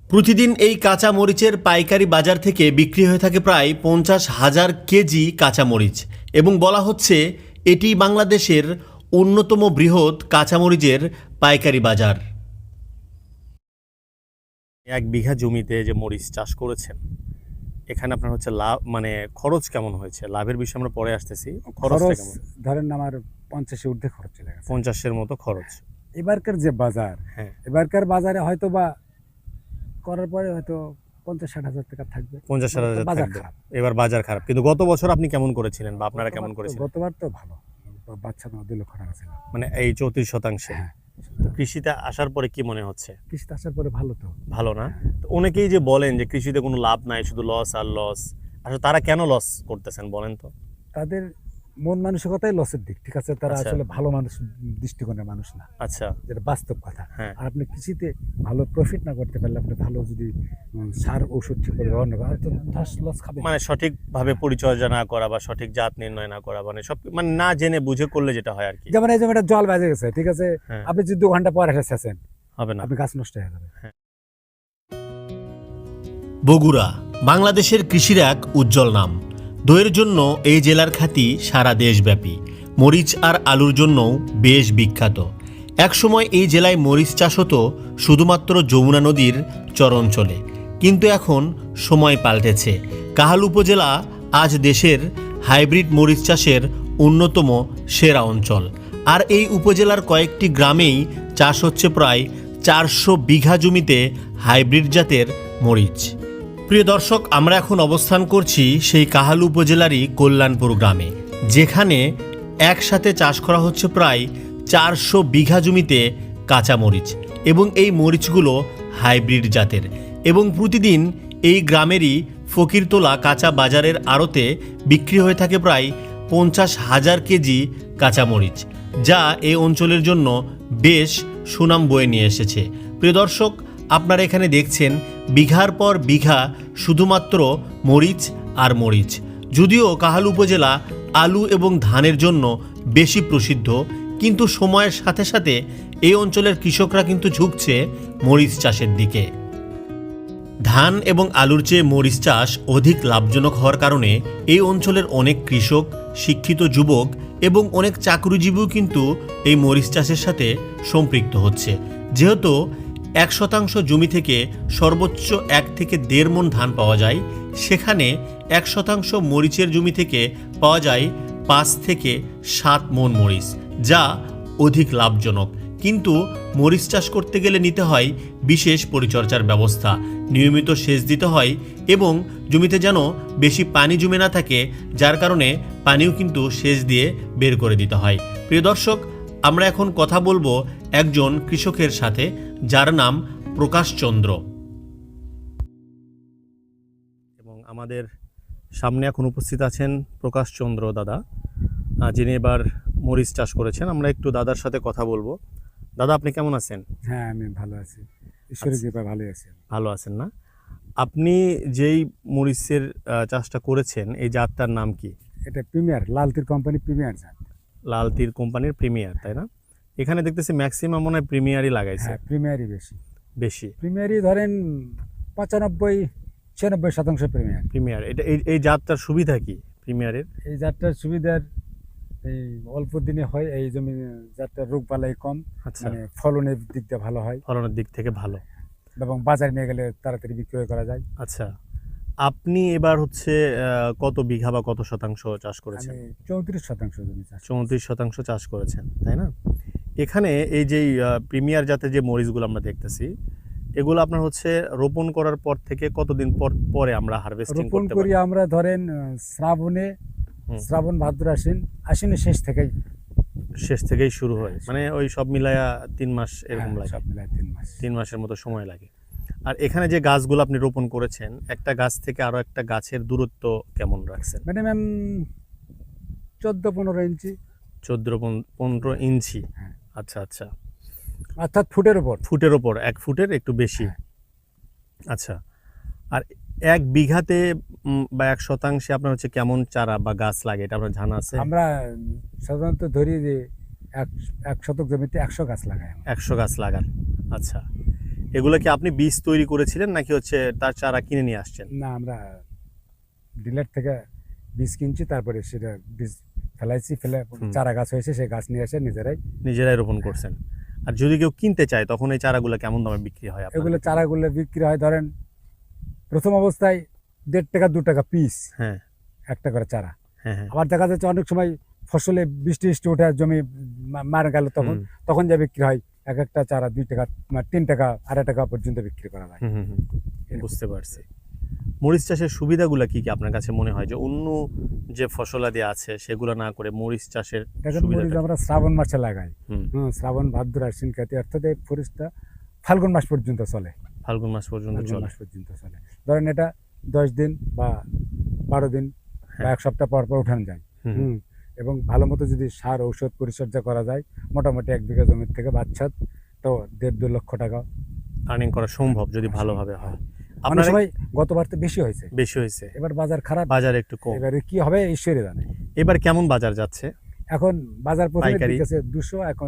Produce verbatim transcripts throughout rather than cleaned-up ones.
প্রতিদিন এই কাঁচা মরিচের পাইকারি বাজার থেকে বিক্রি হয়ে থাকে প্রায় পঞ্চাশ হাজার কেজি কাঁচা মরিচ এবং বলা হচ্ছে এটি বাংলাদেশের অন্যতম বৃহৎ কাঁচামরিচের পাইকারি বাজার। এক বিঘা জমিতে যে মরিচ চাষ করেছেন, এখানে আপনার হচ্ছে লাভ মানে খরচ কেমন হয়েছে? লাভের বিষয়ে আমরা পরে আসতেছি। খরচটা খরচ কেমন? ধরেন আমার পঞ্চাশের ঊর্ধ্বে খরচ চলে গেছে। পঞ্চাশের মতো খরচ। এবারকার যে বাজার, হ্যাঁ, এবারকার বাজারে হয়তো বা করার পরে হয়তো পঞ্চাশ ষাট হাজার টাকা থাকবে। পঞ্চাশ হাজার বাজার থাকবে। খারাপ। এবার বাজার খারাপ, কিন্তু গত বছর আপনি কেমন করেছিলেন বা আপনারা কেমন গতবার তো- করেছিলেন? গতবার তো ভালো, বাচ্চা না দুই লক্ষ টাকা ছিল। মানে এই চৌত্রিশ শতাংশে। হ্যাঁ, তো কৃষিতে আসার পরে কি মনে হচ্ছে? কৃষিতে আসার পরে ভালো তো। ভালো না? তো অনেকেই যে বলেন যে কৃষিতে কোনো লাভ নাই, শুধু লস আর লস। আসলে তারা কেন লস করতেছেন বলেন তো? তাদের মন মানসিকতাই লসের দিক, ঠিক আছে? তারা আচ্ছা। আসলে ভালো মানুষ, দৃষ্টিকোণের মানুষ না, আচ্ছা। যেটা বাস্তব কথা। হ্যাঁ। আর আপনি কৃষিতে ভালো প্রফিট না করতে পারলে, আপনি ভালো যদি উম, সার ওষুধ ঠিক করে ব্যবহার না করেন, তো ধস লস খাবে। মানে সঠিকভাবে পরিচর্যা না করা বা সঠিক জাত নির্ণয় না করা, মানে সব মানে না জেনে বুঝে করলে যেটা হয় আর কি। যেমন এই জমিটা জল বেজে গেছে, ঠিক আছে? হ্যাঁ। আপনি যদি দু ঘন্টা পর এসেছেন, হবে না। আপনি গাছ নষ্ট হয়ে যাবে। বগুড়া বাংলাদেশের কৃষির এক উজ্জ্বল নাম। দইয়ের জন্য এই জেলার খ্যাতি সারা দেশব্যাপী। মরিচ আর আলুর জন্যও বেশ বিখ্যাত। একসময় এই জেলায় মরিচ চাষ হতো শুধুমাত্র যমুনা নদীর চর অঞ্চলে, কিন্তু এখন সময় পাল্টেছে। কাহাল উপজেলা আজ দেশের হাইব্রিড মরিচ চাষের অন্যতম সেরা অঞ্চল। আর এই উপজেলার কয়েকটি গ্রামেই চাষ হচ্ছে প্রায় চারশো বিঘা জমিতে হাইব্রিড জাতের মরিচ। প্রিয় দর্শক, আমরা এখন অবস্থান করছি সেই কাহালু উপজেলারই কল্যাণপুর গ্রামে, যেখানে একসাথে চাষ করা হচ্ছে প্রায় চারশো বিঘা জমিতে কাঁচা মরিচ এবং এই মরিচগুলো হাইব্রিড জাতের। এবং প্রতিদিন এই গ্রামেরই ফকিরতলা কাঁচা বাজারের আড়তে বিক্রি হয়ে থাকে প্রায় পঞ্চাশ হাজার কেজি কাঁচা মরিচ, যা এই অঞ্চলের জন্য বেশ সুনাম বয়ে নিয়ে এসেছে। প্রিয় দর্শক, আপনারা এখানে দেখছেন বিঘার পর বিঘা শুধুমাত্র মরিচ আর মরিচ। যদিও কাহালু উপজেলা আলু এবং ধানের জন্য বেশি প্রসিদ্ধ, কিন্তু সময়ের সাথে সাথে এই অঞ্চলের কৃষকরা কিন্তু ঝুঁকছে মরিচ চাষের দিকে। ধান এবং আলুর চেয়ে মরিচ চাষ অধিক লাভজনক হওয়ার কারণে এই অঞ্চলের অনেক কৃষক, শিক্ষিত যুবক এবং অনেক চাকরিজীবীও কিন্তু এই মরিচ চাষের সাথে সম্পৃক্ত হচ্ছে। যেহেতু এক শতাংশ জমি থেকে সর্বোচ্চ এক থেকে দেড় মণ ধান পাওয়া যায়, সেখানে এক শতাংশ মরিচের জমি থেকে পাওয়া যায় পাঁচ থেকে সাত মণ মরিচ, যা অধিক লাভজনক। কিন্তু মরিচ চাষ করতে গেলে নিতে হয় বিশেষ পরিচর্যার ব্যবস্থা, নিয়মিত সেচ দিতে হয় এবং জমিতে যেন বেশি পানি জমে না থাকে, যার কারণে পানিও কিন্তু সেচ দিয়ে বের করে দিতে হয়। প্রিয় দর্শক, আমরা এখন কথা বলবো একজন কৃষকের সাথে, যার নাম প্রকাশ চন্দ্র। এবং আমাদের সামনে এখন উপস্থিত আছেন প্রকাশ চন্দ্র দাদা, যিনি এবার মরিচ চাষ করেছেন। আমরা একটু দাদার সাথে কথা বলবো। দাদা, আপনি কেমন আছেন? হ্যাঁ, আমি ভালো আছি, ঈশ্বরের কৃপায় ভালোই আছি। ভালো আছেন না? আপনি যেই মরিচের আহ, চাষটা করেছেন, এই জাতটার নাম কি? এটা প্রিমিয়ার, লালতির কোম্পানি প্রিমিয়ার জাত। লাল তীর কোম্পানির প্রিমিয়ার, তাই না? এখানে দেখতেছি ম্যাক্সিমাম মনে হয় প্রিমিয়ারই লাগাইছে। হ্যাঁ, প্রিমিয়ারই বেশি। বেশি প্রিমিয়ারই ধরেন পঁচানব্বই ছিয়ানব্বই শতাংশ প্রিমিয়ার। প্রিমিয়ার। এটা এই এই জাতটার সুবিধা কি প্রিমিয়ারের? এই জাতটার সুবিধার এই অল্প দিনে হয়, এই জমি জাতটার রোগ বালাই কম, আচ্ছা, মানে ফলনের দিক দিয়ে ভালো হয় ফলনের দিক থেকে ভালো এবং বাজারে নিয়ে গেলে তাড়াতাড়ি বিক্রয় করা যায়। আচ্ছা, আপনি এবার হচ্ছে আহ, কত বিঘা বা কত শতাংশ চাষ করেছেন? আমি চৌত্রিশ শতাংশ জমি চাষ করি। চৌত্রিশ শতাংশ চাষ করেছেন, তাই না? এখানে এই যে প্রিমিয়ার জাতের যে মরিচগুলো আমরা দেখতেছি, এগুলো আপনার হচ্ছে রোপণ করার পর থেকে কতদিন পর পরে আমরা হারভেস্টিং রোপণ করতে করি পারি? আমরা ধরেন আহ, শ্রাবণে, হুম। শ্রাবণ ভাদ্র আশ্বিন, আশ্বিনের শেষ থেকেই। শেষ থেকেই শুরু হয়, মানে ওই সব মিলায়া তিন মাস এরকম হ্যাঁ, লাগে। সব মিলায় তিন মাস। তিন মাসের মতো সময় লাগে। আর এখানে যে গাছগুলো আপনি রোপণ করেছেন, একটা গাছ থেকে আরো একটা গাছের দূরত্ব কেমন রাখছেন? মিনিমাম চোদ্দ পনেরো ইঞ্চি, চোদ্দ পনেরো ইঞ্চি। হ্যাঁ। আচ্ছা আচ্ছা, অর্থাৎ ফুটের উপর। ফুটের ওপর, এক ফুটের একটু বেশি। হ্যাঁ। আচ্ছা, আর এক বিঘাতে উম, বা এক শতাংশে আপনার হচ্ছে কেমন চারা বা গাছ লাগে, এটা আপনার জানা আছে? আমরা সাধারণত ধরি যে এক এক শতক জমিতে একশো গাছ লাগাই আমরা। একশো গাছ লাগান। আচ্ছা, এগুলো কি আপনি বীজ তৈরি করেছিলেন নাকি হচ্ছে তার চারা কিনে নিয়ে আসছেন? না, আমরা ডিলার থেকে বীজ কিনছি, তারপরে সেটা বীজ ফেলাইছি, ফেলে হুম। চারা গাছ হয়েছে, সেই গাছ নিয়ে এসে নিজেরাই নিজেরাই রোপণ করছেন। আর যদি কেউ কিনতে চায় তখন এই চারাগুলো কেমন দামে বিক্রি হয় আপনাদের? এগুলো চারাগুলো বিক্রি হয় ধরেন প্রথম অবস্থায় দেড় টাকা দু টাকা পিস হ্যাঁ একটা করে চারা। হ্যাঁ হ্যাঁ। আবার দেখা যাচ্ছে অনেক সময় ফসলে বৃষ্টি বৃষ্টি ওঠে, জমি মা- মারা গেল, তখন হুম, তখন যা বিক্রি হয় এক একটা চারা দুই টাকা মানে তিন টাকা আড়াই টাকা পর্যন্ত বিক্রি করা যায়। হুম, হুম, হুম। বুঝতে পারছি। মরিচ চাষের সুবিধাগুলো কি কি আপনার কাছে মনে হয় যে অন্য যে ফসলাদি আছে সেগুলো না করে মরিচ চাষের দেখেন, মরিচ সুবিধাটা? আমরা শ্রাবণ মাসে লাগাই। হুম, হ্যাঁ, শ্রাবণ ভাদ্র আশ্বিন কার্তিক, অর্থাৎ এই ফরিজটা ফাল্গুন মাস পর্যন্ত চলে। ফাল্গুন মাস পর্যন্ত ফাল্গুন চলে। মাস পর্যন্ত চলে। ধরেন এটা দশ দিন বা বারো দিন বা হ্যাঁ। এক সপ্তাহ পর পর উঠানো যায়। হুম, হুম। এবং ভালো মতো যদি সার ঔষধ পরিচর্যা করা যায়, মোটামুটি এক বিঘা জমির থেকে বাচ্চা তো দেড় দু লক্ষ টাকা আর্নিং করা সম্ভব যদি ভালোভাবে হয়। অনেক আপনার সময় গতবার তো বেশি হয়েছে, বেশি হয়েছে, এবার বাজার খারাপ, বাজার একটু কম। এবারে কি হবে ঈশ্বরই জানে। এবার কেমন বাজার যাচ্ছে? এখন বাজার প্রথমে পাইকারি? গেছে দুশো, এখন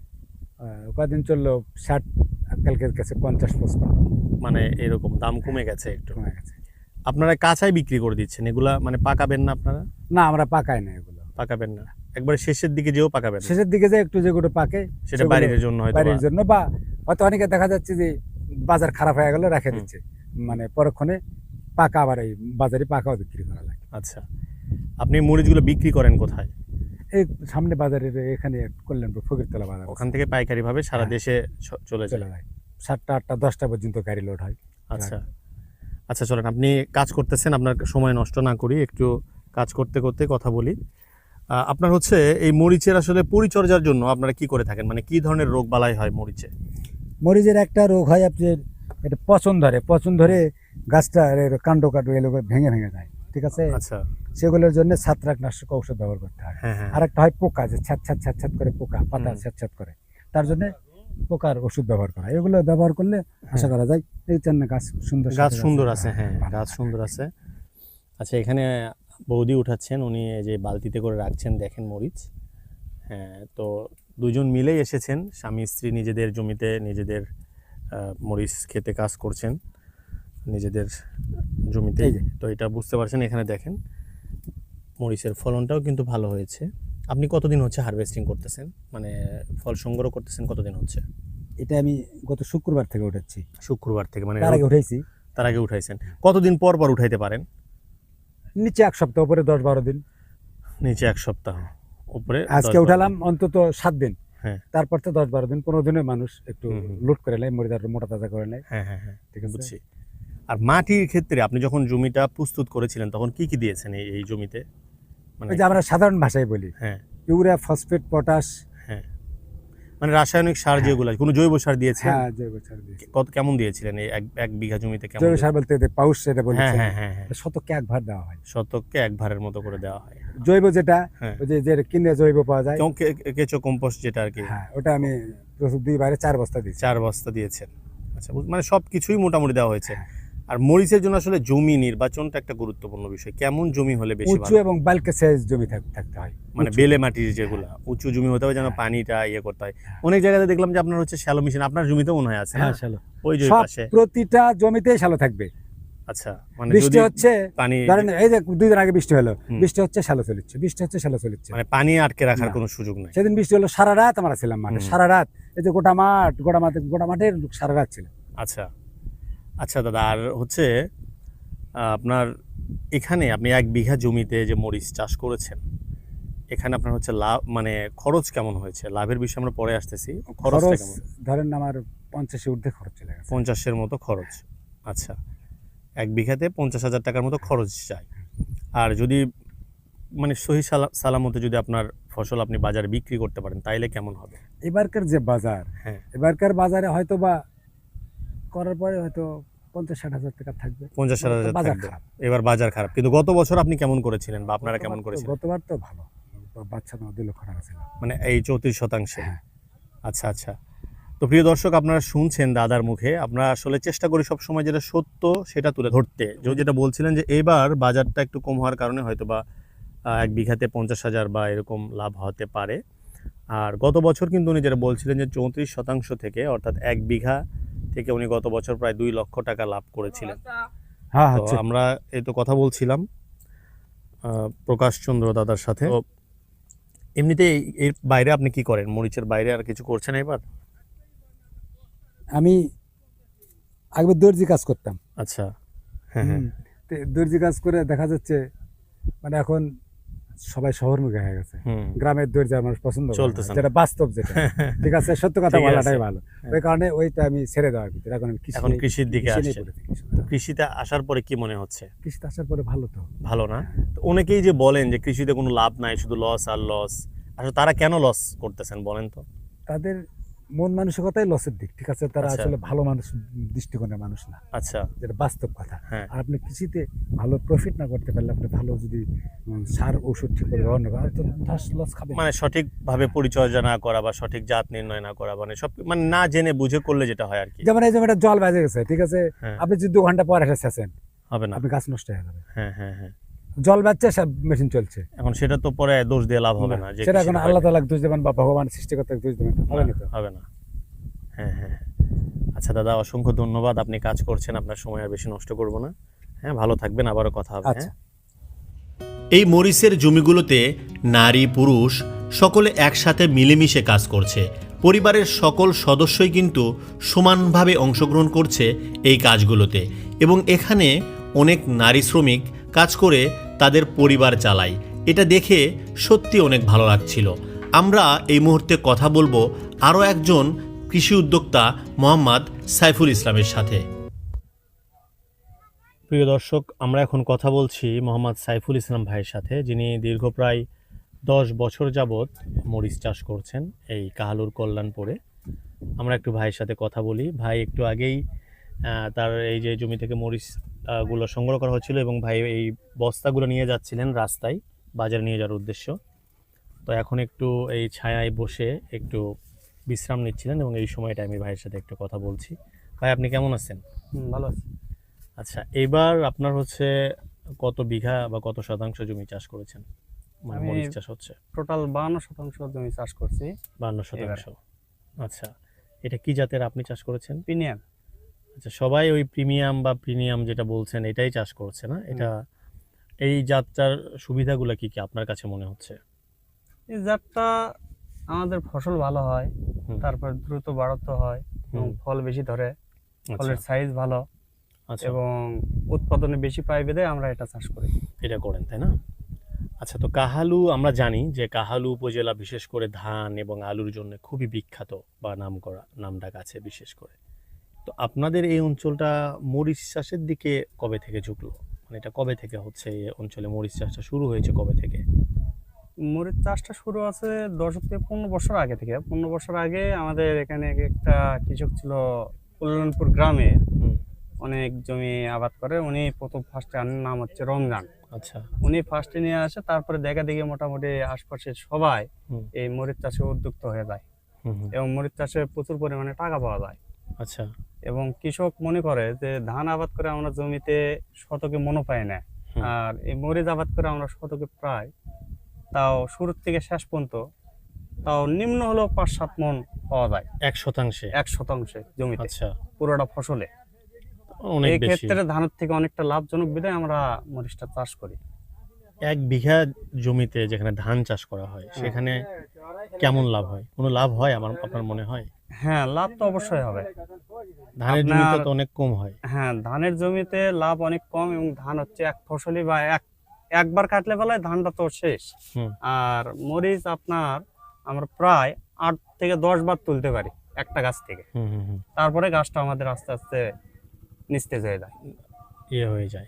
আহ, কদিন চললো ষাট, কালকের কাছে পঞ্চাশ পঁচপান্ন মানে এরকম দাম কমে গেছে একটু। কমে গেছে। আপনারা কাঁচাই বিক্রি করে দিচ্ছেন, এগুলা মানে পাকাবেন না আপনারা? না, আমরা পাকাই না এগুলো, পাকাবেন না, একবারে শেষের দিকে যেও পাকাবেন না। শেষের দিকে যে একটু যেগুলো পাকে সেটা সেগুলো বাড়ির জন্য হয়তো বাড়ির বা- জন্য, বা হয়তো অনেকে দেখা যাচ্ছে যে বাজার খারাপ হয়ে গেল রেখে হুম। দিচ্ছে, মানে পরক্ষণে পাকা আবার এই বাজারে পাকাও বিক্রি করা লাগে। আচ্ছা, আপনি মরিচগুলো বিক্রি করেন কোথায়? এই সামনে বাজারের এখানে কল্যাণপুর ফকিরতলা বাজার, ওখান থেকে পাইকারি ভাবে সারা হ্যাঁ। দেশে ছ- চলে যায়। চলে যায় সাতটা আটটা দশটা পর্যন্ত গাড়ি লোড হয়। আচ্ছা আচ্ছা, চলেন আপনি কাজ করতেছেন, আপনার সময় নষ্ট না করি, একটু কাজ করতে করতে কথা বলি। আহ, আপনার হচ্ছে এই মরিচের আসলে পরিচর্যার জন্য আপনারা কি করে থাকেন, মানে কি ধরনের রোগ বালাই হয় মরিচে? মরিচের একটা রোগ হয় আপনার, এটা পচন ধরে, পচন ধরে গাছটা এর কাণ্ড কাণ্ড এগুলো ভেঙে ভেঙে যায়, ঠিক আছে? আচ্ছা, সেগুলোর জন্য ছত্রাকনাশক ঔষধ ব্যবহার করতে হয়। হ্যাঁ হ্যাঁ। আর একটা হয় পোকা, যে ছ্যাত ছ্যাত ছ্যাত ছ্যাত করে পোকা, পাতা হুম। ছ্যাত ছ্যাত করে, তার জন্য পোকার ওষুধ ব্যবহার করা হয়। এগুলো ব্যবহার করলে আশা করা যায় এই জন্য গাছ সুন্দর গাছ সতেজ সুন্দর আছে, হ্যাঁ ভালো গাছ থাকে। সুন্দর আছে। আচ্ছা, এখানে বৌদি উঠাচ্ছেন, উনি এই যে বালতিতে করে রাখছেন, দেখেন মরিচ। হ্যাঁ, তো দুজন মিলেই এসেছেন, স্বামী স্ত্রী নিজেদের জমিতে নিজেদের আহ, মরিচ খেতে কাজ করছেন নিজেদের জমিতে। এই যে। তো এটা বুঝতে পারছেন, এখানে দেখেন মরিচের ফলনটাও কিন্তু ভালো হয়েছে। আপনি কতদিন হচ্ছে হারভেস্টিং করতেছেন, মানে ফল সংগ্রহ করতেছেন কতদিন হচ্ছে? এটা আমি গত শুক্রবার থেকে উঠাচ্ছি, শুক্রবার থেকে, মানে তার আগে উঠাইছি তার আগে উঠাইছেন। কতদিন পর পর উঠাইতে পারেন? নিচে এক সপ্তাহ, উপরে দশ বারো দিন। নিচে এক সপ্তাহ, উপরে আজকে দশ বারো উঠালাম দিন। অন্তত সাত দিন, হ্যাঁ তারপর তো দশ বারো দিন পনেরো দিনের মানুষ একটু হুম, হুম। লোড করে নেয়, মরিদার মোটা তাজা করে নেয়, হ্যাঁ হ্যাঁ হ্যাঁ, ঠিক আছে? বুঝছি। আর মাটির ক্ষেত্রে আপনি যখন জমিটা প্রস্তুত করেছিলেন তখন কি কি দিয়েছেন এই এই জমিতে, মানে? ওই যে আমরা সাধারণ ভাষায় বলি হ্যাঁ ইউরিয়া, ফসফেট, পটাশ। হ্যাঁ, মানে রাসায়নিক সার হ্যাঁ। যেগুলো, কোনো জৈব সার দিয়েছেন? হ্যাঁ, জৈব সার দিয়েছি। কত কেমন দিয়েছিলেন এই এক এক বিঘা জমিতে কেমন জৈব দিয়ে- সার বলতে এদের পাউস সেটা হ্যাঁ বলেছে, হ্যাঁ হ্যাঁ হ্যাঁ, শতকে এক ভার দেওয়া হয়। শতককে এক ভারের মতো করে দেওয়া হয়। জৈব যেটা হ্যাঁ, ওই যে যে কিনে জৈব পাওয়া যায়, কেউ কে- কে- কেঁচো কম্পোস্ট যেটা আর কি, হ্যাঁ ওটা আমি প্রচুর দুই বারে চার বস্তা দিয়েছি। চার বস্তা দিয়েছেন। আচ্ছা, বুঝ- মানে সব কিছুই মোটামুটি দেওয়া হয়েছে। হ্যাঁ। আর মরিচের জন্য আসলে জমি নির্বাচনটা একটা গুরুত্বপূর্ণ বিষয়। কেমন জমি হলে বেশি উঁচু ভালো? এবং বালকে সাইজ জমি থাক- থাকতে হয়, মানে উঁচু। বেলে মাটির যেগুলা উঁচু জমি হতে হবে, যেন হ্যাঁ। পানিটা ইয়ে করতে হয়। হ্যাঁ। অনেক জায়গাতে দেখলাম যে আপনার হচ্ছে শ্যালো মেশিন, আপনার জমিতেও মনে হয় আছে না? হ্যাঁ, শ্যালো। ওই যে ওই সব পাশে। প্রতিটা জমিতেই শ্যালো থাকবে। আচ্ছা, মানে বৃষ্টি যদি হচ্ছে, পানি, ধরেন এই যে দুই দিন আগে বৃষ্টি হলো, হুম। বৃষ্টি হচ্ছে শ্যালো চলিচ্ছে, বৃষ্টি হচ্ছে শ্যালো চলিচ্ছে। মানে পানি আটকে রাখার না। কোনো সুযোগ নাই। সেদিন বৃষ্টি হলো, সারা রাত আমরা ছিলাম মাঠে, হুম। সারা রাত। এই যে গোটা মাঠ, গোটা মাঠে, গোটা মাঠের সারা রাত ছিল। আচ্ছা আচ্ছা দাদা, আর হচ্ছে আহ, আপনার এখানে আপনি এক বিঘা জমিতে যে মরিচ চাষ করেছেন, এখানে আপনার হচ্ছে লাভ, মানে খরচ কেমন হয়েছে? লাভের বিষয়ে আমরা পরে আসতেছি, খরচটা খরচ কেমন? ধরেন আমার পঞ্চাশের ঊর্ধ্বে খরচ চলে গেছে। পঞ্চাশের মতো খরচ। আচ্ছা, এক বিঘাতে পঞ্চাশ হাজার টাকার মতো খরচ যায়। আর যদি মানে সহি সালা- সালামতে যদি আপনার ফসল আপনি বাজারে বিক্রি করতে পারেন তাইলে কেমন হবে? এবারকার যে বাজার, হ্যাঁ, এবারকার বাজারে হয়তো বা করার পরে হয়তো পঞ্চাশ ষাট হাজার টাকা থাকবে। পঞ্চাশ ষাট হাজার বাজার থাকবে। খারাপ। এবার বাজার খারাপ, কিন্তু গত বছর আপনি কেমন করেছিলেন বা আপনারা কেমন গতবার তো- করেছিলেন? গতবার তো ভালো, বাচ্চা তো দুই লক্ষ টাকা ছিল। মানে এই চৌত্রিশ শতাংশে। হ্যাঁ। আচ্ছা আচ্ছা, তো প্রিয় দর্শক, আপনারা শুনছেন দাদার মুখে, আমরা আসলে চেষ্টা করি সব সময় যেটা সত্য সেটা তুলে ধরতে। যে যেটা বলছিলেন যে এবার বাজারটা একটু কম হওয়ার কারণে হয়তো বা আহ, এক বিঘাতে পঞ্চাশ হাজার বা এরকম লাভ হতে পারে। আর গত বছর কিন্তু উনি যেটা বলছিলেন যে চৌত্রিশ শতাংশ থেকে, অর্থাৎ এক বিঘা থেকে উনি গত বছর প্রায় দুই লক্ষ টাকা লাভ করেছিলেন। হ্যাঁ তো হচ্ছে আমরা এই তো কথা বলছিলাম আহ, প্রকাশ চন্দ্র দাদার সাথে। তো এমনিতে এই- এর বাইরে আপনি কি করেন? মরিচের বাইরে আর কিছু করছেন এবার? আমি আগে দর্জি কাজ করতাম। আচ্ছা, হ্যাঁ হ্যাঁ হুম, তো দর্জি কাজ করে দেখা যাচ্ছে মানে এখন সবাই শহরমুখী হয়ে গেছে, হুম গ্রামের দর্জি আমার পছন্দ করে না, চলতেছে না। যেটা বাস্তব যেটা ঠিক আছে, সত্য কথা ঠিক বলাটাই আছে। ভালো। ওই কারণে ওইটা আমি ছেড়ে দেওয়ার ভিতরে এখন আমি কৃষি এখন কৃষির দিকে কৃষি নিয়ে আসছেন। পড়ে থাকি। তো কৃষিতে আসার পরে কি মনে হচ্ছে? কৃষিতে আসার পরে ভালো তো। ভালো না? তো অনেকেই যে বলেন যে কৃষিতে কোনো লাভ নাই, শুধু লস আর লস। আসলে তারা কেন লস করতেছেন বলেন তো? তাদের মন মানসিকতাই লসের দিক, ঠিক আছে, তারা আচ্ছা। আসলে ভালো মানুষ, দৃষ্টিকোণের মানুষ না, আচ্ছা, যেটা বাস্তব কথা। হ্যাঁ আর আপনি কৃষিতে ভালো প্রফিট না করতে পারলে, আপনি ভালো যদি উম, সার ওষুধ ঠিক করে ব্যবহার না করেন, তো ধস লস খাবে। মানে সঠিকভাবে পরিচর্যা না করা বা সঠিক জাত নির্ণয় না করা, মানে সব মানে না জেনে বুঝে করলে যেটা হয় আর কি। যেমন এই জমিটা জল বেজে গেছে, ঠিক আছে, হ্যাঁ, আপনি যদি দু ঘন্টা পর এসে ছেঁচেন, হবে না। আপনি গাছ নষ্ট হয়ে যাবে। হ্যাঁ হ্যাঁ হ্যাঁ। জল বাজছে, সব মেশিন চলছে, এখন সেটা তো পরে দোষ দিয়ে লাভ হবে না, যে সেটা কৃষির এখন হয় আল্লাহ না। তাআলাকে দোষ দেবেন বা ভগবান সৃষ্টিকর্তাকে দোষ দেবেন, হবে না তো। হবে না। হ্যাঁ হ্যাঁ। আচ্ছা দাদা, অসংখ্য ধন্যবাদ। আপনি কাজ করছেন, আপনার সময় আর বেশি নষ্ট করব না। হ্যাঁ, ভালো থাকবেন, আবারও কথা হবে। আচ্ছা। হ্যাঁ। এই মরিচের জমিগুলোতে নারী পুরুষ সকলে একসাথে মিলেমিশে কাজ করছে। পরিবারের সকল সদস্যই কিন্তু সমানভাবে অংশগ্রহণ করছে এই কাজগুলোতে, এবং এখানে অনেক নারী শ্রমিক কাজ করে তাদের পরিবার চালায়। এটা দেখে সত্যি অনেক ভালো লাগছিল। আমরা এই মুহূর্তে কথা বলবো আরও একজন কৃষি উদ্যোক্তা মোহাম্মদ সাইফুল ইসলামের সাথে। প্রিয় দর্শক, আমরা এখন কথা বলছি মোহাম্মদ সাইফুল ইসলাম ভাইয়ের সাথে, যিনি দীর্ঘ প্রায় দশ বছর যাবৎ মরিচ চাষ করছেন এই কাহালুর কল্যাণপুরে। আমরা একটু ভাইয়ের সাথে কথা বলি। ভাই একটু আগেই আহ, তার এই যে জমি থেকে মরিচ আহ, গুলো সংগ্রহ করা হচ্ছিল, এবং ভাই এই বস্তাগুলো নিয়ে যাচ্ছিলেন রাস্তায় বাজারে নিয়ে যাওয়ার উদ্দেশ্য। তো এখন একটু এই ছায়ায় বসে একটু বিশ্রাম নিচ্ছিলেন, এবং এই সময়টা আমি ভাইয়ের সাথে একটু কথা বলছি। ভাই, আপনি কেমন আছেন? হুম, ভালো আছি। আচ্ছা, এবার আপনার হচ্ছে কত বিঘা বা কত শতাংশ জমি চাষ করেছেন? মানে আমি মরিচ চাষ হচ্ছে টোটাল বাহান্ন শতাংশ জমি চাষ করছি। বান্ন শতাংশ। আচ্ছা, এটা কি জাতের আপনি চাষ করেছেন? প্রিমিয়াম। আচ্ছা, সবাই ওই প্রিমিয়াম বা প্রিমিয়াম যেটা বলছেন এটাই চাষ করছে না? এটা এই জাতটার সুবিধাগুলো কি কি আপনার কাছে মনে হচ্ছে? এই জাতটা আমাদের ফসল ভালো হয়, হুম। তারপর দ্রুত বাড়াতে হয় এবং হুম। ফল বেশি ধরে, আচ্ছা ফলের সাইজ ভালো আচ্ছা, এবং উৎপাদনে বেশি পাই বেঁধে আমরা এটা চাষ করি। এটা করেন তাই না? আচ্ছা, তো কাহালু আমরা জানি যে কাহালু উপজেলা বিশেষ করে ধান এবং আলুর জন্য খুবই বিখ্যাত বা নাম করা নামডাক আছে বিশেষ করে। তো আপনাদের এই অঞ্চলটা মরিচ চাষের দিকে কবে থেকে ঝুঁকলো? মানে এটা কবে থেকে হচ্ছে এই অঞ্চলে মরিচ চাষটা শুরু হয়েছে কবে থেকে? মরিচ চাষটা শুরু আছে দশ থেকে পনেরো বছর আগে থেকে। পনেরো বছর আগে আমাদের এখানে একটা কৃষক ছিল কল্যাণপুর গ্রামে, হুম। অনেক জমি আবাদ করে। উনি প্রথম ফার্স্টে আনার নাম হচ্ছে রমজান। আচ্ছা। উনি ফার্স্টে নিয়ে আসে, তারপরে দেখা দেখি মোটামুটি আশপাশের সবাই হুম। এই মরিচ চাষে উদ্যুক্ত হয়ে যায় হুম হুম। এবং মরিচ চাষে প্রচুর পরিমাণে টাকা পাওয়া যায়। আচ্ছা। এবং কৃষক মনে করে যে ধান আবাদ করে আমরা জমিতে শতকে মনো পাই না, হুম। আর এই মরিচ আবাদ করে আমরা শতকে প্রায়, তাও শুরুর থেকে শেষ পর্যন্ত তাও নিম্ন হলেও পাঁচ সাত মন পাওয়া যায় এক শতাংশে? এক শতাংশে জমিতে, আচ্ছা, পুরোটা ফসলে। অনেক এই বেশি। ক্ষেত্রে ধানের থেকে অনেকটা লাভজনক বিধায় আমরা মরিচটা চাষ করি। এক বিঘা জমিতে যেখানে ধান চাষ করা হয় সেখানে কেমন লাভ হয়? কোনো লাভ হয় আমার আপনার মনে হয়? হ্যাঁ, লাভ তো অবশ্যই হবে। ধানের জমিতে আপনার- তো অনেক কম হয়। হ্যাঁ, ধানের জমিতে লাভ অনেক কম এবং ধান হচ্ছে এক ফসলি বা এক একবার কাটলে বেলায় ধানটা তো শেষ। হুম। আর মরিচ আপনার আমরা প্রায় আট থেকে দশ বার তুলতে পারি একটা গাছ থেকে, হুম হুম হুম। তারপরে গাছটা আমাদের আস্তে আস্তে নিস্তেজ হয়ে যায়। ইয়ে হয়ে যায়।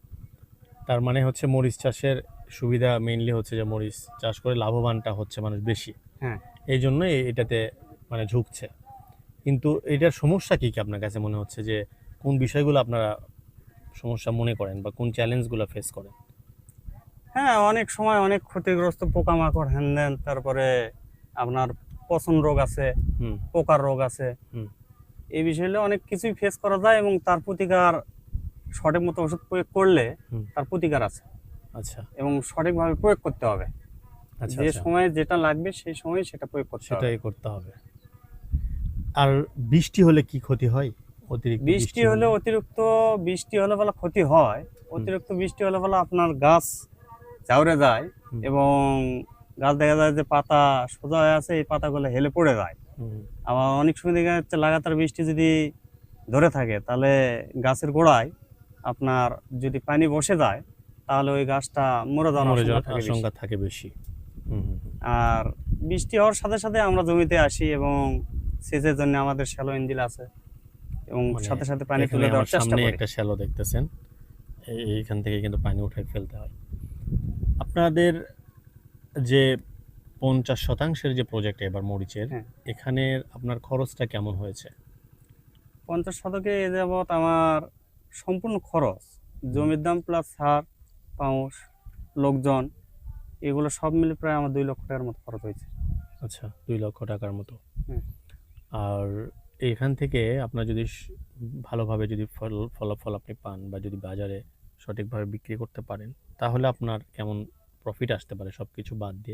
তার মানে হচ্ছে মরিচ চাষের সুবিধা মেইনলি হচ্ছে যে মরিচ চাষ করে লাভবানটা হচ্ছে মানুষ বেশি, হ্যাঁ, এই জন্য এটাতে মানে ঝুঁকছে। কিন্তু এটার সমস্যা কি কি আপনার কাছে মনে হচ্ছে, যে কোন বিষয়গুলো আপনারা সমস্যা মনে করেন বা কোন চ্যালেঞ্জগুলো ফেস করেন? হ্যাঁ, অনেক সময় অনেক ক্ষতিগ্রস্ত পোকামাকড় হ্যান দেন, তারপরে আপনার পচন রোগ আছে, হুম পোকার রোগ আছে। হুম। এই বিষয়ে অনেক কিছুই ফেস করা যায় এবং তার প্রতিকার সঠিক মতো ওষুধ প্রয়োগ করলে হুম। তার প্রতিকার আছে আচ্ছা এবং সঠিকভাবে প্রয়োগ করতে হবে। আচ্ছা যে আচ্ছা, সময়ে যেটা লাগবে সেই সময় সেটা প্রয়োগ করতে হবে। সেটাই করতে হবে। আর বৃষ্টি হলে কি ক্ষতি হয়? অতিরিক্ত বৃষ্টি হলে অতিরিক্ত বৃষ্টি হলে বলা ক্ষতি হয়, অতিরিক্ত বৃষ্টি হলে বলা আপনার গাছ ঝাউরে যায় হুম। এবং গাছ দেখা যায় যে পাতা সোজা হয়ে আছে, এই পাতাগুলো হেলে পড়ে যায়। হুম, আবার অনেক সময় দেখা যাচ্ছে লাগাতার বৃষ্টি যদি ধরে থাকে তাহলে গাছের গোড়ায় আপনার যদি পানি বসে যায় তাহলে ওই গাছটা মরে যাওয়ার মরে আশঙ্কা যাওয়ার থাকে বেশি। আশঙ্কা থাকে বেশি। হুম, হুম, হুম। আর বৃষ্টি হওয়ার সাথে সাথে আমরা জমিতে আসি এবং সেচের জন্য আমাদের শ্যালো ইঞ্জিন আছে এবং মানে সাথে সাথে পানি এখানে তুলে দেওয়ার আমার চেষ্টা সামনে করি। একটা শ্যালো দেখতেছেন, এই- এইখান থেকে কিন্তু পানি উঠাই ফেলতে হয়। আপনাদের যে পঞ্চাশ শতাংশের যে প্রজেক্ট এবার মরিচের, হ্যাঁ। এখানের আপনার খরচটা কেমন হয়েছে? পঞ্চাশ শতকে এ যাবৎ আমার সম্পূর্ণ খরচ, জমির দাম প্লাস সার, পাউস, লোকজন, এগুলো সব মিলে প্রায় আমার দুই লক্ষ টাকার মতো খরচ হয়েছে। আচ্ছা, দুই লক্ষ টাকার মতো। হুম। আর এখান থেকে আপনার যদি স- ভালোভাবে যদি ফল ফলাফল আপনি পান বা যদি বাজারে সঠিকভাবে বিক্রি করতে পারেন, তাহলে আপনার কেমন প্রফিট আসতে পারে সব কিছু বাদ দিয়ে?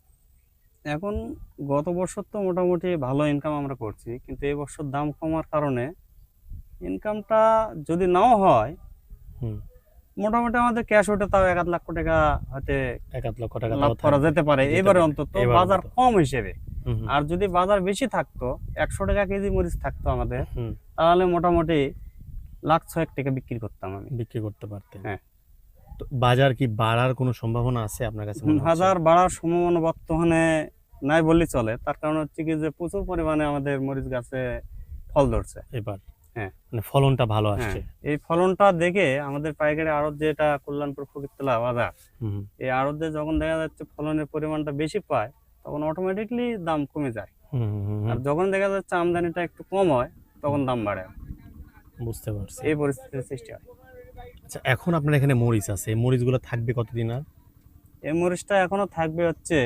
এখন গত বছর তো মোটামুটি ভালো ইনকাম আমরা করছি, কিন্তু এই বছর দাম কমার কারণে ইনকামটা যদি নাও হয়, হুম, মোটামুটি আমাদের ক্যাশ ওঠে তাও এক আধ লাখ টাকা হয়তো এক আধ লক্ষ টাকা লাভ তাও করা থাকবে। যেতে পারে যেতে এবারে পারে, অন্তত, এবার বাজার অন্তত। কম হিসেবে। হুম, হুম, আর যদি বাজার বেশি থাকতো, একশো টাকা কেজি মরিচ থাকতো আমাদের, হুম, তাহলে মোটামুটি লাখ ছয়েক টাকা বিক্রি করতাম আমি। বিক্রি করতে পারতেন। হ্যাঁ। তো বাজার কি বাড়ার কোনো সম্ভাবনা আছে আপনার কাছে মনে হচ্ছে? হাজার বাড়ার সম্ভাবনা বর্তমানে নাই বললেই চলে। তার কারণ হচ্ছে কি যে প্রচুর পরিমাণে আমাদের মরিচ গাছে ফল ধরছে। এবার হ্যাঁ। মানে ফলনটা ভালো হ্যাঁ, আসছে। এই ফলনটা দেখে আমাদের পাইকারি আড়ত, যেটা কল্যাণপুর ফকিরতলা বাজার, হুম, এই আড়তে যখন দেখা যাচ্ছে ফলনের পরিমাণটা বেশি পায়, তখন অটোমেটিকলি দাম কমে যায়। হুম, হুম, হুম, আর যখন দেখা যাচ্ছে আমদানিটা একটু কম হয়, তখন দাম বাড়ে। বুঝতে পারছি। এই পরিস্থিতির সৃষ্টি হয়। আচ্ছা, এখন আপনার এখানে মরিচ আছে, এই মরিচগুলো থাকবে কতদিন আর? এই মরিচটা এখনো থাকবে হচ্ছে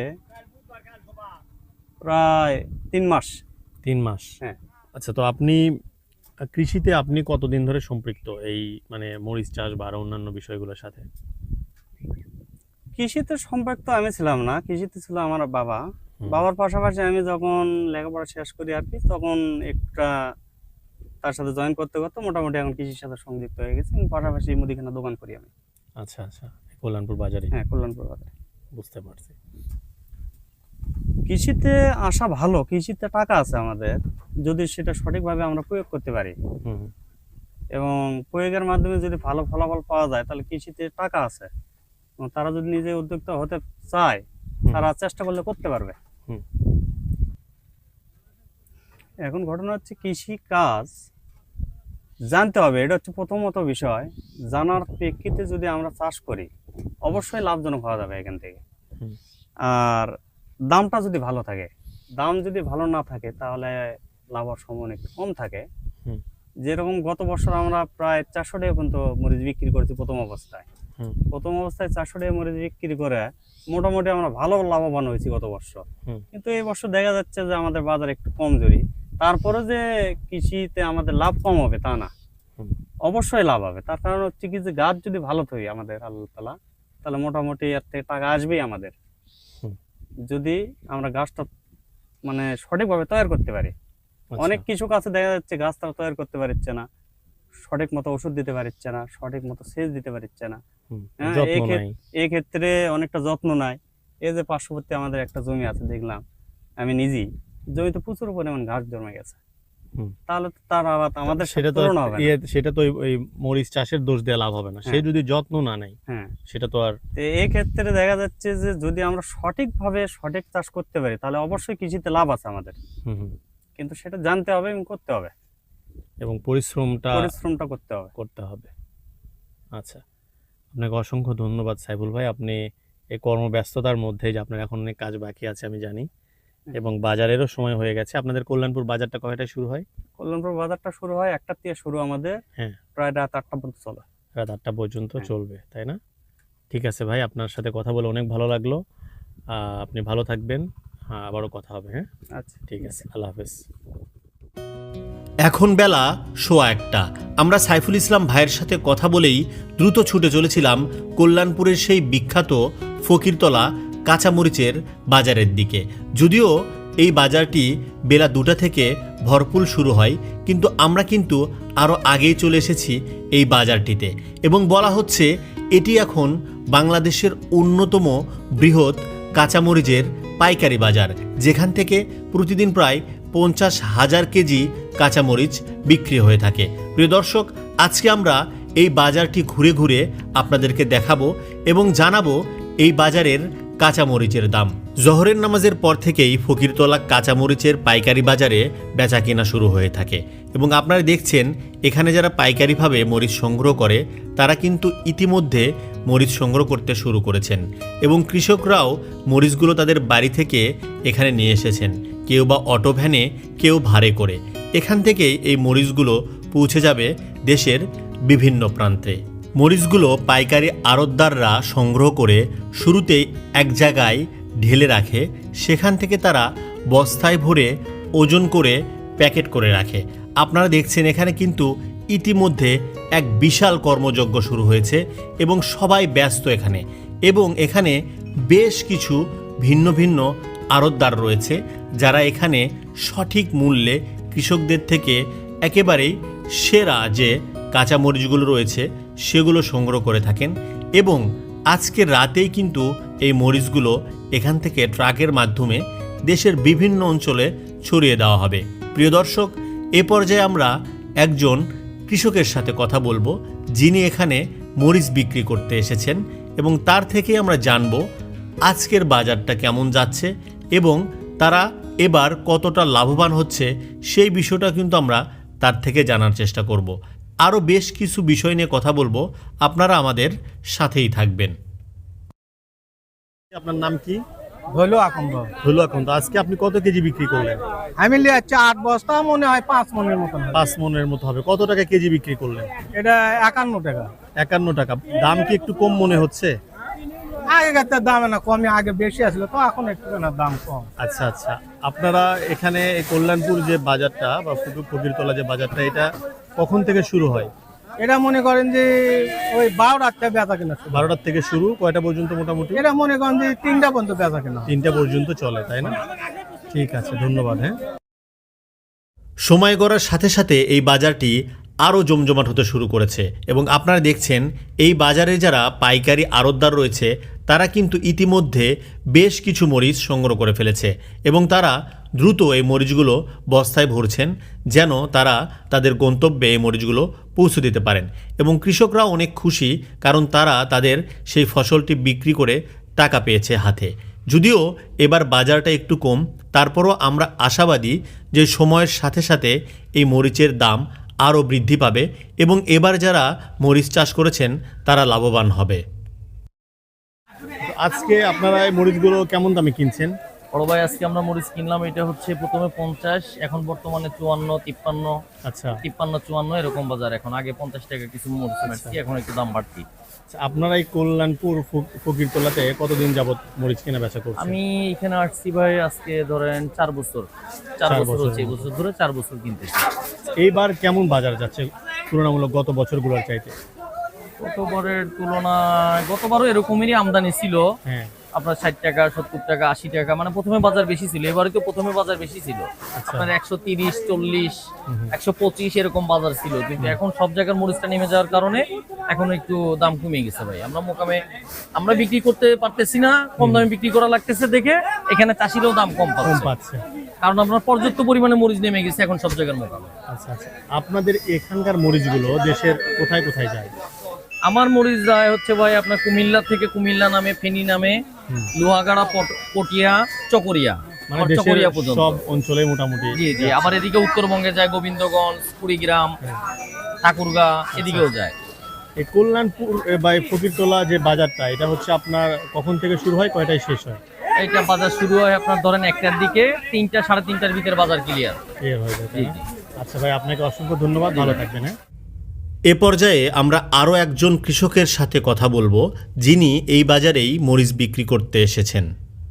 প্রায় তিন মাস। তিন মাস। হ্যাঁ। আচ্ছা, তো আপনি আহ, কৃষিতে আপনি কতদিন ধরে সম্পৃক্ত এই মানে মরিচ চাষ বা আরো অন্যান্য বিষয়গুলোর সাথে? কৃষিতে সম্পর্ক তো আমি ছিলাম না, কৃষিতে ছিল আমার বাবা। হুম। বাবার পাশাপাশি আমি যখন লেখাপড়া শেষ করি আর কি, তখন একটা তার সাথে জয়েন করতে করতে মোটামুটি এখন কৃষির সাথে সংযুক্ত হয়ে গেছি এবং পাশাপাশি মুদিখানা দোকান করি আমি। আচ্ছা, আচ্ছা, কল্যাণপুর বাজারে। হ্যাঁ, কল্যাণপুর বাজারে। বুঝতে পারছি। কৃষিতে আসা ভালো, কৃষিতে টাকা আছে আমাদের, যদি সেটা সঠিকভাবে আমরা প্রয়োগ করতে পারি হুম, এবং প্রয়োগের মাধ্যমে যদি ভালো ফলাফল পাওয়া যায়, তাহলে কৃষিতে টাকা আছে এবং তারা যদি নিজে উদ্যোক্তা হতে চায়, হুম, তারা চেষ্টা করলে করতে পারবে। হুম। এখন ঘটনা হচ্ছে কৃষি কাজ জানতে হবে, এটা হচ্ছে প্রথমত বিষয়। জানার প্রেক্ষিতে যদি আমরা চাষ করি, অবশ্যই লাভজনক হওয়া যাবে এখান থেকে। হুম। আর দামটা যদি ভালো থাকে, দাম যদি ভালো না থাকে তাহলে লাভ হওয়ার সম্ভাবনা একটু কম থাকে। হুম। যেরকম গত বছর আমরা প্রায় চারশো টাকা পর্যন্ত মরিচ বিক্রি করেছি প্রথম অবস্থায়। হুম। প্রথম অবস্থায় চারশো টাকা মরিচ বিক্রি করে মোটামুটি আমরা ভালো লাভবান হয়েছি গত বছর। হুম। কিন্তু এই বছর দেখা যাচ্ছে যে আমাদের বাজার একটু কমজোরি। তারপরে যে কৃষিতে আমাদের লাভ কম হবে তা না, হুম। অবশ্যই লাভ হবে। তার কারণ হচ্ছে কি যে গাছ যদি ভালো থাকে আমাদের আল্লাহ তাআলা, তাহলে মোটামুটি এর থেকে টাকা আসবেই আমাদের, হুম। যদি আমরা গাছটা মানে সঠিকভাবে তৈরি করতে পারি। আচ্ছা। অনেক কৃষক আছে দেখা যাচ্ছে গাছটা তৈরি করতে পারছে না, সঠিক মতো ওষুধ দিতে পারছে না, সঠিক মতো সেচ দিতে পারছে না। হুম, হ্যাঁ, যত্ন এই ক্ষেত- নাই। এই ক্ষেত্রে অনেকটা যত্ন নাই। এই যে পার্শ্ববর্তী আমাদের একটা জমি আছে, দেখলাম আমি নিজেই, জমিতে প্রচুর পরিমাণ ঘাস জমে গেছে। হুম। তাহলে তো তার আবার আমাদের সেটা সাথে তো তুলনা হবে না। ইয়ে- সেটা তো ওই- ওই মরিচ চাষের দোষ দিয়ে লাভ হবে না, সে হ্যাঁ। যদি যত্ন না নেয় হ্যাঁ, সেটা তো আর। তো এই ক্ষেত্রে দেখা যাচ্ছে যে যদি আমরা সঠিকভাবে সঠিক চাষ করতে পারি, তাহলে অবশ্যই কৃষিতে লাভ আছে আমাদের। হুম, হুম। কিন্তু সেটা জানতে হবে এবং করতে হবে, এবং পরিশ্রমটা পরিশ্রমটা করতে হবে। করতে হবে। আচ্ছা, আপনাকে অসংখ্য ধন্যবাদ সাইফুল ভাই। আপনি এই কর্মব্যস্ততার মধ্যে, যে আপনার এখন অনেক কাজ বাকি আছে আমি জানি, এবং বাজারেরও সময় হয়ে গেছে। আপনাদের কল্যাণপুর বাজারটা কয়টায় শুরু হয়? কল্যাণপুর বাজারটা শুরু হয় একটার থেকে শুরু আমাদের, হ্যাঁ। প্রায় রাত আটটা পর্যন্ত চলে। রাত আটটা পর্যন্ত হ্যাঁ। চলবে, তাই না? ঠিক আছে ভাই, আপনার সাথে কথা বলে অনেক ভালো লাগলো। আহ, আপনি ভালো থাকবেন। হ্যাঁ, আবারও কথা হবে। হ্যাঁ, আচ্ছা, ঠিক আছে, আল্লাহ হাফেজ। এখন বেলা সোয়া একটা। আমরা সাইফুল ইসলাম ভাইয়ের সাথে কথা বলেই দ্রুত ছুটে চলেছিলাম কল্যাণপুরের সেই বিখ্যাত ফকিরতলা কাঁচামরিচের বাজারের দিকে। যদিও এই বাজারটি বেলা দুটা থেকে ভরপুর শুরু হয়, কিন্তু আমরা কিন্তু আরও আগেই চলে এসেছি এই বাজারটিতে এবং বলা হচ্ছে এটি এখন বাংলাদেশের অন্যতম বৃহৎ কাঁচামরিচের পাইকারি বাজার, যেখান থেকে প্রতিদিন প্রায় পঞ্চাশ হাজার কেজি কাঁচামরিচ বিক্রি হয়ে থাকে। প্রিয় দর্শক, আজকে আমরা এই বাজারটি ঘুরে ঘুরে আপনাদেরকে দেখাবো এবং জানাবো এই বাজারের কাঁচামরিচের দাম। জোহরের নামাজের পর থেকেই ফকিরতলা কাঁচামরিচের পাইকারি বাজারে বেচা কেনা শুরু হয়ে থাকে এবং আপনারা দেখছেন এখানে যারা পাইকারিভাবে মরিচ সংগ্রহ করে তারা কিন্তু ইতিমধ্যে মরিচ সংগ্রহ করতে শুরু করেছেন এবং কৃষকরাও মরিচগুলো তাদের বাড়ি থেকে এখানে নিয়ে এসেছেন, কেউ বা অটো ভ্যানে, কেউ ভাড়ে করে। এখান থেকেই এই মরিচগুলো পৌঁছে যাবে দেশের বিভিন্ন প্রান্তে। মরিচগুলো পাইকারি আড়তদাররা সংগ্রহ করে শুরুতেই এক জায়গায় ঢেলে রাখে, সেখান থেকে তারা বস্তায় ভরে ওজন করে প্যাকেট করে রাখে। আপনারা দেখছেন এখানে কিন্তু ইতিমধ্যে এক বিশাল কর্মযজ্ঞ শুরু হয়েছে এবং সবাই ব্যস্ত এখানে এবং এখানে বেশ কিছু ভিন্ন ভিন্ন আড়তদার রয়েছে যারা এখানে সঠিক মূল্যে কৃষকদের থেকে একেবারেই সেরা যে কাঁচামরিচগুলো রয়েছে সেগুলো সংগ্রহ করে থাকেন এবং আজকে রাতেই কিন্তু এই মরিচগুলো এখান থেকে ট্রাকের মাধ্যমে দেশের বিভিন্ন অঞ্চলে ছড়িয়ে দেওয়া হবে। প্রিয় দর্শক, এ পর্যায়ে আমরা একজন কৃষকের সাথে কথা বলবো যিনি এখানে মরিচ বিক্রি করতে এসেছেন এবং তার থেকেই আমরা জানব আজকের বাজারটা কেমন যাচ্ছে এবং তারা এবার কতটা লাভবান হচ্ছে সেই বিষয়টা কিন্তু আমরা তার থেকে জানার চেষ্টা করব। আরও বেশ কিছু বিষয় নিয়ে কথা বলবো, আপনারা আমাদের সাথেই থাকবেন। আপনার নাম কি? হলো আকন্দ হলো এখন তো আজকে আপনি কত কেজি বিক্রি করলেন? আমি লিয়াচ্ছি আট বস্তা, মনে হয় পাঁচ মনের মতন হবে। পাঁচ মনের মতো হবে। কত টাকা কেজি বিক্রি করলেন? এটা একান্ন টাকা। একান্ন টাকা। দাম কি একটু কম মনে হচ্ছে? আগেকার দাম না কমে, আগে বেশি আসলো তো এখন একটু না দাম কম। আচ্ছা আচ্ছা, আপনারা এখানে এই কল্যাণপুর যে বাজারটা বা ফকিরতলা যে বাজারটা, এটা কখন থেকে শুরু হয়? এটা মনে করেন যে ওই বারোটার থেকে বেচা কেনা শুরু। বারোটার থেকে শুরু, কয়টা পর্যন্ত মোটামুটি? এটা মনে করেন যে তিনটা পর্যন্ত বেচা কেনা। তিনটা পর্যন্ত চলে, তাই না? ঠিক আছে, ধন্যবাদ। হ্যাঁ, সময় গড়ার সাথে সাথে এই বাজারটি আরও জমজমাট হতে শুরু করেছে এবং আপনারা দেখছেন এই বাজারে যারা পাইকারি আড়তদার রয়েছে তারা কিন্তু ইতিমধ্যে বেশ কিছু মরিচ সংগ্রহ করে ফেলেছে এবং তারা দ্রুত এই মরিচগুলো বস্তায় ভরছেন যেন তারা তাদের গন্তব্যে এই মরিচগুলো পৌঁছে দিতে পারেন এবং কৃষকরা অনেক খুশি, কারণ তারা তাদের সেই ফসলটি বিক্রি করে টাকা পেয়েছে হাতে। যদিও এবার বাজারটা একটু কম, তারপরও আমরা আশাবাদী যে সময়ের সাথে সাথে এই মরিচের দাম আরও বৃদ্ধি পাবে এবং এবার যারা মরিচ চাষ করেছেন তারা লাভবান হবে। আজকে আপনারা এই মরিচগুলো কেমন দামে কিনছেন? বড় ভাই, আজকে আমরা মরিচ কিনলাম, এটা হচ্ছে প্রথমে পঞ্চাশ, এখন বর্তমানে চুয়ান্ন, তিপ্পান্ন, আচ্ছা তিপ্পান্ন চুয়ান্ন এরকম বাজার। এখন আগে পঞ্চাশ টাকা কিছু মরিচ মারছি, এখন একটু দাম বাড়তি। আপনারা এই কল্যাণপুর ফকিরতলাতে কতদিন যাবত মরিচ কেনা বেচা করছেন? আমি এখানে আসছি ভাই আজকে ধরেন চার বছর চার বছর হচ্ছে, এই বছর ধরে চার বছর কিনতেছি। এইবার কেমন বাজার যাচ্ছে তুলনামূলক গত বছরগুলোর চাইতে? গতবারের তুলনায় গতবারও এরকমই আমদানি ছিল, হ্যাঁ, আপনার ষাট টাকা, সত্তর টাকা, আশি টাকা, মানে প্রথমে বাজার বেশি ছিল। এবারে তো প্রথমে বাজার বেশি ছিল, আপনার একশো তিরিশ, চল্লিশ, একশো পঁচিশ এরকম বাজার ছিল, কিন্তু এখন সব জায়গার মরিচটা নেমে যাওয়ার কারণে এখন একটু দাম কমে গেছে ভাই। আমরা মোকামে আমরা বিক্রি করতে পারতেছি না, কম দামে বিক্রি করা লাগতেছে দেখে এখানে চাষিরাও দাম কম পাচ্ছে, কারণ আপনার পর্যাপ্ত পরিমাণে মরিচ নেমে গেছে এখন সব জায়গার মোকামে। আচ্ছা আচ্ছা, আপনাদের এখানকার মরিচগুলো দেশের কোথায় কোথায় যায়? আমার মরিচ যায় হচ্ছে ভাই আপনার কুমিল্লা থেকে, কুমিল্লা নামে, ফেনী নামে, লোহাগাড়া, পটিয়া, চকরিয়া, মানে দেশের সব অঞ্চলে মোটামুটি। জি জি, আবার এদিকে উত্তরবঙ্গে যায়, গোবিন্দগঞ্জ, কুড়িগ্রাম, ঠাকুরগাঁ, এদিকেও যায়। এই কল্যাণপুর বা ফকিরতলা যে বাজারটা, এটা হচ্ছে আপনার কখন থেকে শুরু হয়, কয়টায় শেষ হয়? এইটা বাজার শুরু হয় আপনার ধরেন একটার দিকে, তিনটা সাড়ে তিনটার ভিতরে বাজার ক্লিয়ার হয়ে যায়। আচ্ছা ভাই, আপনাকে অসংখ্য ধন্যবাদ, ভালো থাকবেন। হ্যাঁ, এ পর্যায়ে আমরা আরও একজন কৃষকের সাথে কথা বলবো যিনি এই বাজারেই মরিচ বিক্রি করতে এসেছেন।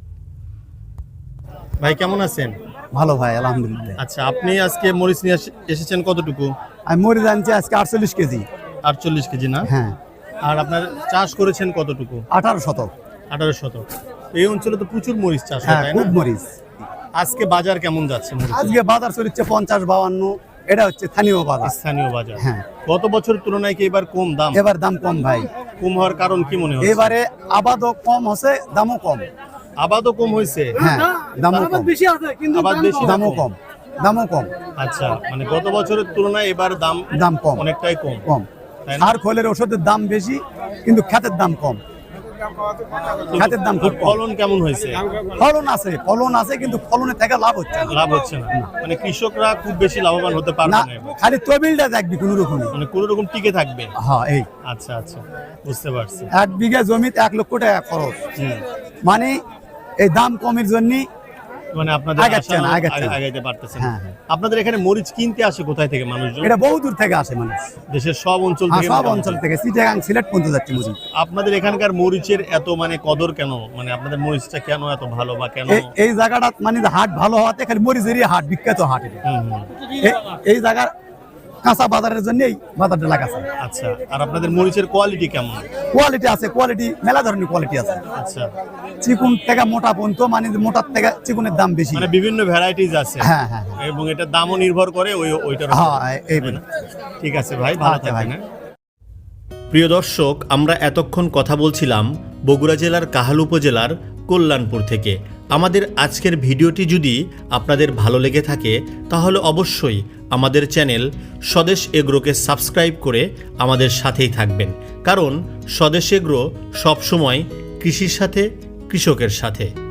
ভাই কেমন আছেন? ভালো ভাই, আলহামদুলিল্লাহ। আচ্ছা, আপনি আজকে মরিচ নিয়ে এসেছেন কতটুকু? আমি মরিচ আনছি আজকে আটচল্লিশ কেজি। আটচল্লিশ কেজি না? হ্যাঁ। আর আপনার চাষ করেছেন কতটুকু? আঠারো শতক। আঠারো শতক। এই অঞ্চলে তো প্রচুর মরিচ চাষ হয়, হ্যাঁ, তাই খুব না? মরিচ। আজকে বাজার কেমন যাচ্ছে মরিচ? আজকে বাজার চলছে পঞ্চাশ, বাউান্ন, এটা হচ্ছে স্থানীয় বাজার। স্থানীয় বাজার। হ্যাঁ। গত বছরের তুলনায় কি এবার কম দাম? এবার দাম কম ভাই। কম হওয়ার কারণ কি মনে হচ্ছে? এবারে আবাদও কম হচ্ছে, দামও কম। আবাদও কম হয়েছে? হ্যাঁ, দামও কম। আবাদ বেশি, দামও কম, দামও কম। আচ্ছা, মানে গত বছরের তুলনায় এবার দাম দাম কম, অনেকটাই কম। কম। তাই না? আর খোলের ওষুধের দাম বেশি, কিন্তু খ্যাতের দাম কম। খ্যাতের দাম খুব কম। ফলন কেমন হয়েছে? ফলন আছে, ফলন আছে, কিন্তু ফলনের থেকে লাভ হচ্ছে না। লাভ হচ্ছে না, মানে কৃষকরা খুব বেশি লাভবান হতে পারবে না, না এবার। খালি তবিলটা দেখবি কোনো রকমই। মানে কোনো রকম টিকে থাকবে। হ্যাঁ, এই আচ্ছা আচ্ছা, বুঝতে পারছি। এক বিঘা জমিতে এক লক্ষ টাকা খরচ, হুম। মানে এই দাম কমের জন্য মানে আপনাদের আগাচ্ছে আশা না, না, আগাচ্ছে না। আগাইতে পারতেছেন না। হ্যাঁ, হ্যাঁ। আপনাদের এখানে মরিচ কিনতে আসে কোথায় থেকে মানুষজন? এটা বহু দূর থেকে আসে মানুষ। দেশের সব অঞ্চল হ্যাঁ, থেকে? সব মোটামুটি? অঞ্চল থেকে, চিটাগাং, সিলেট পর্যন্ত যাচ্ছে মুজি। আপনাদের এখানকার মরিচের এত মানে কদর কেন? মানে আপনাদের মরিচটা কেন এত ভালো বা কেন? এই- এই জায়গাটা মানে যে হাট ভালো হওয়াতে খালি মরিচেরই হাট, বিখ্যাত হাট এটা। হুম, হুম। এ- এই জায়গার কাঁচা বাজারের জন্য এই বাজারটা লাগাচ্ছে। আচ্ছা, আর আপনাদের মরিচের কোয়ালিটি কেমন? কোয়ালিটি আছে, কোয়ালিটি মেলা ধরনের কোয়ালিটি আছে। আচ্ছা, চিকুন থেকে মোটা পর্যন্ত, মানে যে মোটার থেকে চিকুনের দাম বেশি। মানে বিভিন্ন ভ্যারাইটিস আছে। হ্যাঁ, হ্যাঁ, হ্যাঁ। এবং এটার দামও নির্ভর করে ওই ওইটার উপর। হ্যাঁ, এই তাই না? ঠিক আছে ভাই, ভালো আচ্ছা ভাই। থাকবেন। প্রিয় দর্শক, আমরা এতক্ষণ কথা বলছিলাম বগুড়া জেলার কাহাল উপজেলার কল্যাণপুর থেকে। আমাদের আজকের ভিডিওটি যদি আপনাদের ভালো লেগে থাকে তাহলে অবশ্যই আমাদের চ্যানেল স্বদেশ এগ্রোকে সাবস্ক্রাইব করে আমাদের সাথেই থাকবেন, কারণ স্বদেশ এগ্রো সবসময় কৃষির সাথে, কৃষকের সাথে।